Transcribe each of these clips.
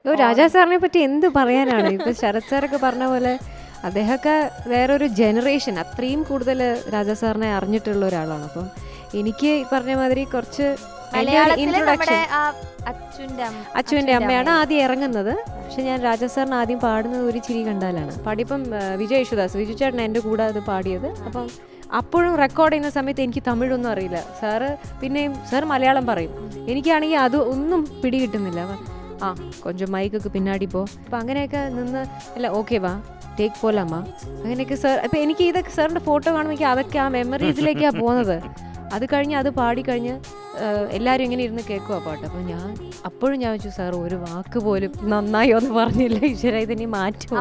രാജാ സാറിനെ പറ്റി എന്ത് പറയാനാണ്. ഇപ്പൊ ശരത് സാറൊക്കെ പറഞ്ഞ പോലെ അദ്ദേഹമൊക്കെ വേറൊരു ജനറേഷൻ, അത്രയും കൂടുതൽ രാജാ സാറിനെ അറിഞ്ഞിട്ടുള്ള ഒരാളാണ്. അപ്പം എനിക്ക് പറഞ്ഞ മാതിരി കുറച്ച് ഇൻട്രൊഡക്ഷൻ അച്ചുവിന്റെ അമ്മയാണ് ആദ്യം ഇറങ്ങുന്നത്. പക്ഷെ ഞാൻ രാജാ സാറിന് ആദ്യം പാടുന്നത് ഒരു ചിരി കണ്ടാലാണ്. പാടിയപ്പം വിജയ് യേശുദാസ്, വിജു ചേട്ടൻ എൻ്റെ കൂടെ അത് പാടിയത്. അപ്പം അപ്പോഴും റെക്കോർഡ് ചെയ്യുന്ന സമയത്ത് എനിക്ക് തമിഴൊന്നും അറിയില്ല. സാറ് പിന്നെയും സാർ മലയാളം പറയും, എനിക്കാണെങ്കിൽ അത് ഒന്നും പിടി കിട്ടുന്നില്ല. കൊഞ്ചം മൈക്കൊക്കെ പിന്നാടി പോ, അപ്പം അങ്ങനെയൊക്കെ നിന്ന് അല്ല ഓക്കെ വാ ടേക്ക് പോലാമ്മ അങ്ങനെയൊക്കെ സാർ. അപ്പം എനിക്ക് ഇതൊക്കെ സാറിൻ്റെ ഫോട്ടോ കാണുമ്പോൾ എനിക്ക് അതൊക്കെ ആ മെമ്മറീസിലേക്കാണ് പോകുന്നത്. അത് കഴിഞ്ഞ് അത് പാടിക്കഴിഞ്ഞ് എല്ലാവരും ഇങ്ങനെ ഇരുന്ന് കേൾക്കുക പാട്ട്. അപ്പം അപ്പോഴും ഞാൻ വെച്ചു സാർ ഒരു വാക്ക് പോലും നന്നായി ഒന്ന് പറഞ്ഞില്ല, ഈശ്വര ഇതിനി മാറ്റും.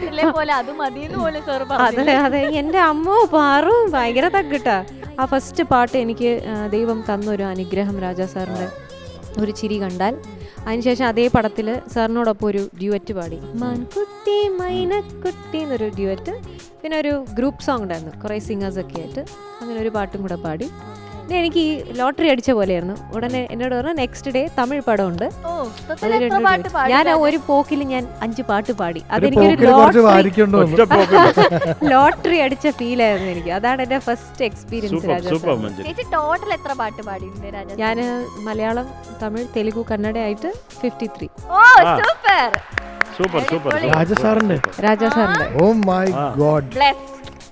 അതെ എൻ്റെ അമ്മ പാറും ഭയങ്കര തക്കിട്ടാ. ആ ഫസ്റ്റ് പാട്ട് എനിക്ക് ദൈവം തന്നൊരു അനുഗ്രഹം രാജാ സാറിൻ്റെ ഒരു ചിരി കണ്ടാൽ. അതിനുശേഷം അതേ പടത്തിൽ സാറിനോടൊപ്പം ഒരു ഡ്യുവറ്റ് പാടി, മാൻകുട്ടി മൈനക്കുട്ടി എന്നൊരു ഡ്യുവറ്റ്. പിന്നെ ഒരു ഗ്രൂപ്പ് സോങ് ഉണ്ടായിരുന്നു കുറേ സിംഗേഴ്സൊക്കെ ആയിട്ട്, അങ്ങനെ ഒരു പാട്ടും കൂടെ പാടി. പിന്നെ എനിക്ക് ഈ ലോട്ടറി അടിച്ച പോലെയായിരുന്നു. ഉടനെ എന്നോട് പറഞ്ഞു നെക്സ്റ്റ് ഡേ തമിഴ് പടമുണ്ട്. ഞാൻ ഒരു പോക്കിൽ ഞാൻ 5 പാട്ട് പാടി. അതെനിക്കൊരു ലോട്ടറി അടിച്ച ഫീൽ ആയിരുന്നു എനിക്ക്. അതാണ് എന്റെ ഫസ്റ്റ് എക്സ്പീരിയൻസ്. ഞാൻ മലയാളം, തമിഴ്, തെലുഗു, കന്നഡ ആയിട്ട് 53. രാജാ സാറിന്റെ ഓ മൈ ഗോഡ്.